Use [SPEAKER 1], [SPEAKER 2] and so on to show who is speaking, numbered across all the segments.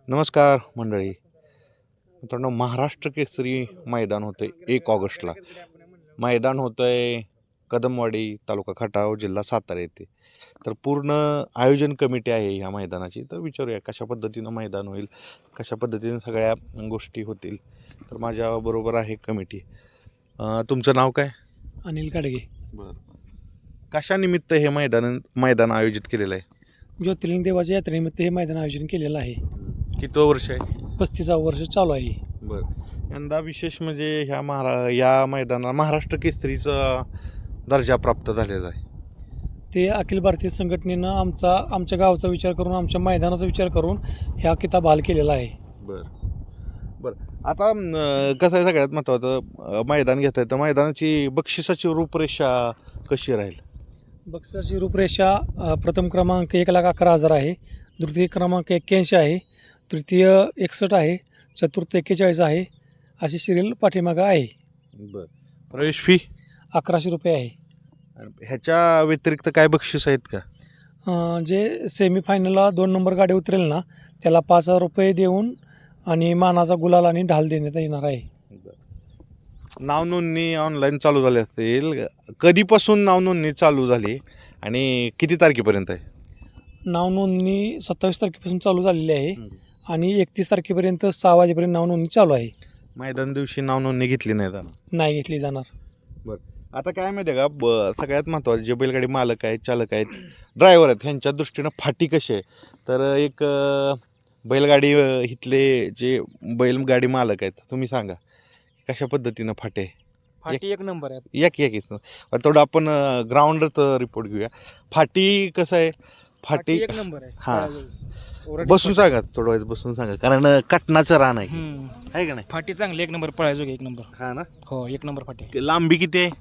[SPEAKER 1] नमस्कार मंडळी. मित्रांनो, महाराष्ट्र केसरी मैदान होतं आहे 1 ऑगस्टला. मैदान होतं आहे कदमवाडी, तालुका खटाव, जिल्हा सातारा येथे. तर पूर्ण आयोजन कमिटी आहे ह्या मैदानाची. तर विचारूया कशा पद्धतीनं मैदान होईल, कशा पद्धतीनं सगळ्या गोष्टी होतील. तर माझ्याबरोबर आहे कमिटी. तुमचं नाव काय?
[SPEAKER 2] अनिल काडगे.
[SPEAKER 1] बरं. कशानिमित्त हे मैदान आयोजित केलेलं आहे?
[SPEAKER 2] ज्योतिर्लिंग देवाच्या यात्रेनिमित्त हे मैदान आयोजन केलेलं आहे.
[SPEAKER 1] किती वर्ष आहे?
[SPEAKER 2] 35वा वर्ष चालू आहे.
[SPEAKER 1] बरं. यंदा विशेष म्हणजे या मैदानाला महाराष्ट्र केसरीचा दर्जा प्राप्त झालेला आहे.
[SPEAKER 2] ते अखिल भारतीय संघटनेनं आमच्या गावाचा विचार करून, आमच्या मैदानाचा विचार करून ह्या किताब हाल केलेला आहे.
[SPEAKER 1] बरं बरं. आता कसं आहे, सगळ्यात महत्त्वाचं मैदान घेत आहे तर मैदानाची बक्षिसाची रूपरेषा कशी राहील?
[SPEAKER 2] बक्षिसाची रूपरेषा प्रथम क्रमांक 1,11,000 आहे, द्वितीय क्रमांक 81 आहे, तृतीय 61 आहे, चतुर्थ 41 आहे. अशी सिरियल पाठीमागं आहे.
[SPEAKER 1] बरं. प्रवेश फी
[SPEAKER 2] 1100 रुपये आहे.
[SPEAKER 1] ह्याच्या व्यतिरिक्त काय बक्षीस आहेत का?
[SPEAKER 2] जे सेमीफायनलला 2 नंबर गाडी उतरेल ना, त्याला 5,000 रुपये देऊन आणि मानाचा गुलाल आणि ढाल देण्यात येणार आहे.
[SPEAKER 1] नाव नोंदणी ऑनलाईन चालू झाली असेल. कधीपासून नाव नोंदणी चालू झाली आणि किती तारखेपर्यंत आहे?
[SPEAKER 2] नाव नोंदणी 27 तारखेपासून चालू झालेली आहे आणि 31 तारखेपर्यंत 6 वाजेपर्यंत नाव नोंदणी चालू आहे.
[SPEAKER 1] मैदान दिवशी नाव नोंदणी घेतली नाही जाणार?
[SPEAKER 2] नाही घेतली जाणार.
[SPEAKER 1] बरं. आता काय माहिती आहे का, सगळ्यात महत्त्वाचे जे बैलगाडी मालक आहेत, चालक आहेत, ड्रायव्हर आहेत, ह्यांच्या दृष्टीनं फाटी कशी आहे, तर एक बैलगाडी इथले जे बैलगाडी मालक आहेत, तुम्ही सांगा कशा पद्धतीनं फाटे आहे?
[SPEAKER 2] फाटी एक नंबर आहे.
[SPEAKER 1] एक थोडं आपण ग्राउंडच रिपोर्ट घेऊया. फाटी कसं आहे? फाटी
[SPEAKER 2] एक नंबर आहे.
[SPEAKER 1] हां, बसून सांगा, थोडं वेळेस बसून सांगा, कारण कटनाचं रान आहे का नाही?
[SPEAKER 2] फाटी चांगली, एक नंबर पळायचो, एक नंबर.
[SPEAKER 1] हा ना.
[SPEAKER 2] हो, एक नंबर फाटी.
[SPEAKER 1] लांबी किती आहे?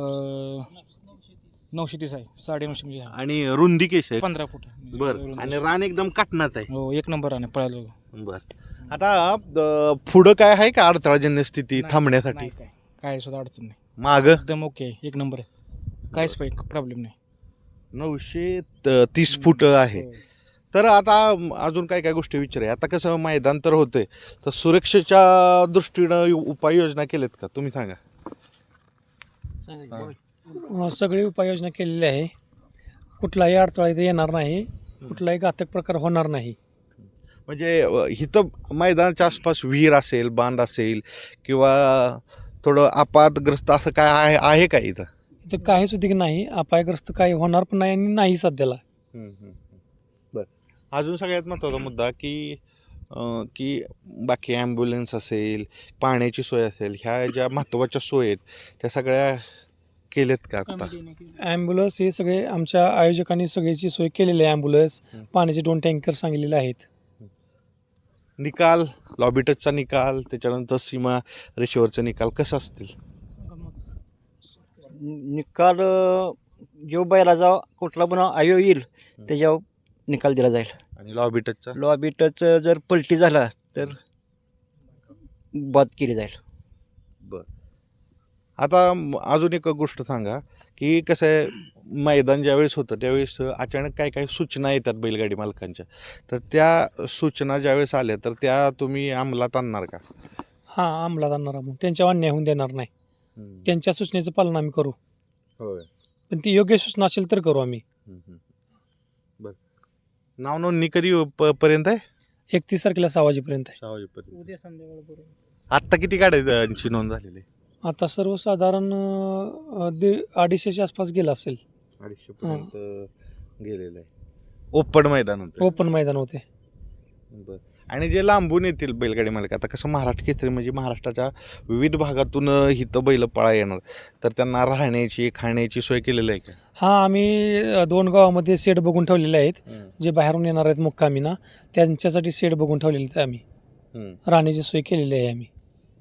[SPEAKER 2] 930 आहे, 950 म्हणजे
[SPEAKER 1] आणि रुंदी कशी आहे?
[SPEAKER 2] 15 फूट.
[SPEAKER 1] बरं. आणि रान एकदम काटणात आहे.
[SPEAKER 2] हो, एक नंबर आहे पळायचो.
[SPEAKER 1] बरं. आता पुढं काय आहे का अडथळाजन्य स्थिती थांबण्यासाठी?
[SPEAKER 2] काय सुद्धा अडचण नाही.
[SPEAKER 1] माग
[SPEAKER 2] एकदम ओके आहे, एक नंबर आहे. काहीच प्रॉब्लेम नाही.
[SPEAKER 1] 930 फूट आहे. तर आता अजून काय काय गोष्टी विचारूया. आता कसं मैदान तर होतंय, तर सुरक्षेच्या दृष्टीनं उपाययोजना केल्यात का, तुम्ही सांगा?
[SPEAKER 2] सगळी उपाययोजना केलेली आहे. कुठलाही अडथळा इथे येणार नाही, कुठलाही घातक प्रकार होणार नाही.
[SPEAKER 1] म्हणजे इथं मैदानाच्या आसपास विहीर असेल, बांध असेल किंवा थोडं अपघातग्रस्त असं काय आहे का इथं?
[SPEAKER 2] इथं काहीच उद्योग नाही, अपायग्रस्त काही होणार पण नाही आणि नाही सध्याला.
[SPEAKER 1] बरं. अजून सगळ्यात महत्त्वाचा मुद्दा की की बाकी ॲम्ब्युलन्स असेल, पाण्याची सोय असेल, ह्या ज्या महत्त्वाच्या सोयी आहेत त्या सगळ्या केल्यात का आता?
[SPEAKER 2] ॲम्ब्युलन्स हे सगळे आमच्या आयोजकांनी सगळ्याची सोय केलेली आहे. ॲम्ब्युलन्स, पाण्याचे 2 टँकर सांगलेले आहेत.
[SPEAKER 1] निकाल, लॉबी टचचा निकाल, त्याच्यानंतर सीमा रेषेवरचा निकाल कसं असतील?
[SPEAKER 3] निकाल जो बैलाचा कुठला पण आयो येईल त्याच्यावर निकाल दिला जाईल.
[SPEAKER 1] आणि लॉबी टचचा?
[SPEAKER 3] लॉबी टच जर पलटी झाला तर बाद केली जाईल.
[SPEAKER 1] बरं. आता अजून एक गोष्ट सांगा की कसं आहे, मैदान ज्यावेळेस होतं त्यावेळेस अचानक काय काय सूचना येतात बैलगाडी मालकांच्या, तर त्या सूचना ज्यावेळेस आल्या तर त्या तुम्ही अंमलात आणणार का?
[SPEAKER 2] हां, अंमलात आणणार आहोत. त्यांच्यावर अन्याय होऊन देणार नाही. त्यांच्या सूचनेचं पालन आम्ही करू,
[SPEAKER 1] होय.
[SPEAKER 2] पण ती योग्य सूचना असेल तर करू आम्ही.
[SPEAKER 1] बरं. नाव नोंदणी कधी पर्यंत आहे?
[SPEAKER 2] 31 तारखेला 6 वाजेपर्यंत आहे.
[SPEAKER 1] 6 वाजेपर्यंत.
[SPEAKER 2] उद्या संध्याकाळपर्यंत.
[SPEAKER 1] आत्ता किती गाड्यांची नोंद झालेली?
[SPEAKER 2] आता सर्वसाधारण 250च्या आसपास गेला असेल.
[SPEAKER 1] 250 पर्यंत गेलेलं आहे. ओपन मैदान होतं.
[SPEAKER 2] ओपन मैदान होते.
[SPEAKER 1] बरं. आणि जे लांबून येतील बैलगाडी मालक, आता कसं महाराष्ट्र केसरी म्हणजे महाराष्ट्राच्या विविध भागातून इथं बैल पळा येणार, तर त्यांना राहण्याची खाण्याची सोय केलेली आहे का?
[SPEAKER 2] हां, आम्ही 2 गावामध्ये शेड बघून ठेवलेले आहेत. जे बाहेरून येणार आहेत मुक्कामीना, त्यांच्यासाठी शेड बघून ठेवलेले आहेत आम्ही. राहण्याची सोय केलेली आहे आम्ही.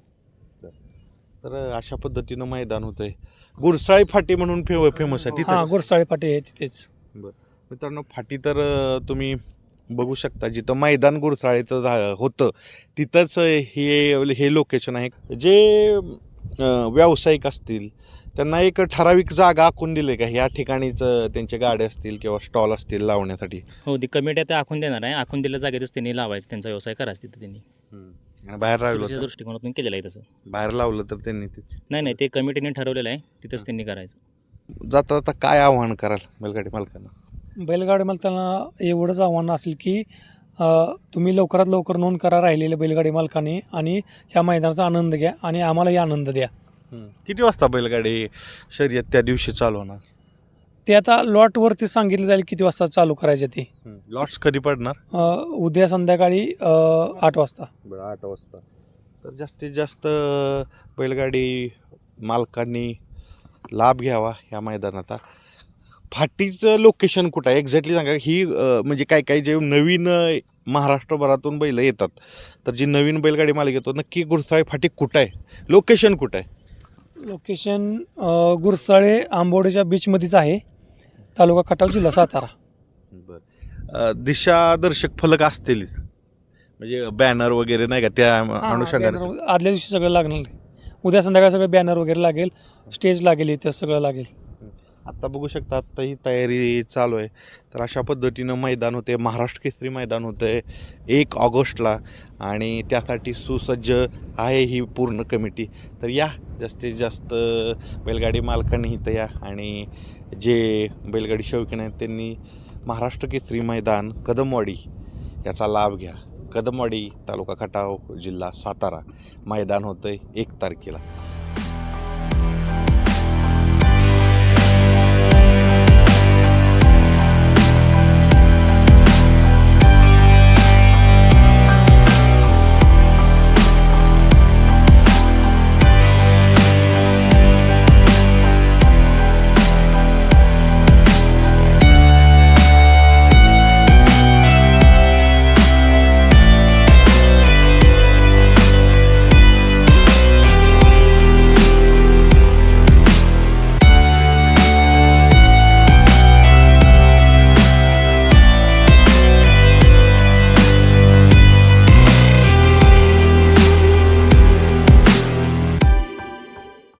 [SPEAKER 1] तर अशा पद्धतीनं मैदान होतं आहे. गुरसाळी फाटी म्हणून फेमस आहे
[SPEAKER 2] हां,
[SPEAKER 1] तिथं.
[SPEAKER 2] गुरसाळे फाटे आहे तिथेच.
[SPEAKER 1] बरं. मित्रांनो, फाटी तर तुम्ही बघू शकता, जिथं मैदान गुरसाळीचं होतं तिथंच हे लोकेशन आहे. जे व्यावसायिक असतील त्यांना एक ठराविक जागा आखून दिली का ह्या ठिकाणीच त्यांचे गाड्या असतील किंवा स्टॉल असतील लावण्यासाठी?
[SPEAKER 4] हो, ती कमिटी आता आखून देणार आहे. आखून दिल्या जागेतच त्यांनी लावायचं, त्यांचा व्यवसाय करायचा तिथे त्यांनी.
[SPEAKER 1] आणि बाहेर
[SPEAKER 4] सुरक्षेच्या
[SPEAKER 1] लावलं तर?
[SPEAKER 4] दृष्टिकोनातून केलेलं आहे तसं.
[SPEAKER 1] बाहेर लावलं तर त्यांनी
[SPEAKER 4] नाही, ते कमिटीने ठरवलेलं आहे, तिथंच त्यांनी करायचं.
[SPEAKER 1] जाता जाता काय आव्हान कराल बैलगाडी मालकांना?
[SPEAKER 2] बैलगाडी मालकांना एवढंच आव्हान असेल की तुम्ही लवकरात लवकर नोंद करा राहिलेल्या बैलगाडी मालकाने आणि ह्या मैदानाचा आनंद घ्या आणि आम्हालाही आनंद द्या.
[SPEAKER 1] किती वाजता बैलगाडी शर्यत त्या दिवशी चालू होणार?
[SPEAKER 2] ते आता लॉटवरती सांगितलं जाईल किती वाजता चालू करायचे ते.
[SPEAKER 1] लॉट्स कधी पडणार?
[SPEAKER 2] उद्या संध्याकाळी 8 वाजता.
[SPEAKER 1] बरं, 8 वाजता. तर जास्तीत जास्त बैलगाडी मालकांनी लाभ घ्यावा या मैदानाचा. फाटीचं लोकेशन कुठं आहे एक्झॅक्टली सांगा. ही म्हणजे काय काय जे नवीन महाराष्ट्रभरातून बैल येतात, तर जी नवीन बैलगाडी मालक येतो नक्की गुरसाळे फाटी कुठं आहे, लोकेशन कुठं आहे?
[SPEAKER 2] लोकेशन गुरसाळे आंबोडेच्या बीचमध्येच आहे, तालुका खटाव, जिल्हा सातारा.
[SPEAKER 1] बरं, दिशादर्शक फलक असतीलच म्हणजे बॅनर वगैरे नाही का त्या अनुषंगाने?
[SPEAKER 2] बॅनर आदल्या दिवशी सगळं लागणार आहे. उद्या संध्याकाळी सगळं बॅनर वगैरे लागेल, स्टेज लागेल, इथं सगळं लागेल.
[SPEAKER 1] आत्ता बघू शकता, आत्ता ही तयारी चालू आहे. तर अशा पद्धतीनं मैदान होते, महाराष्ट्र केसरी मैदान होतं आहे 1 ऑगस्टला आणि त्यासाठी सुसज्ज आहे ही पूर्ण कमिटी. तर या जास्तीत जास्त बैलगाडी मालकांनी इथं या आणि जे बैलगाडी शौकीन आहेत त्यांनी महाराष्ट्र केसरी मैदान कदमवाडी याचा लाभ घ्या. कदमवाडी, तालुका खटाव, जिल्हा सातारा मैदान होतं आहे 1 तारखेला.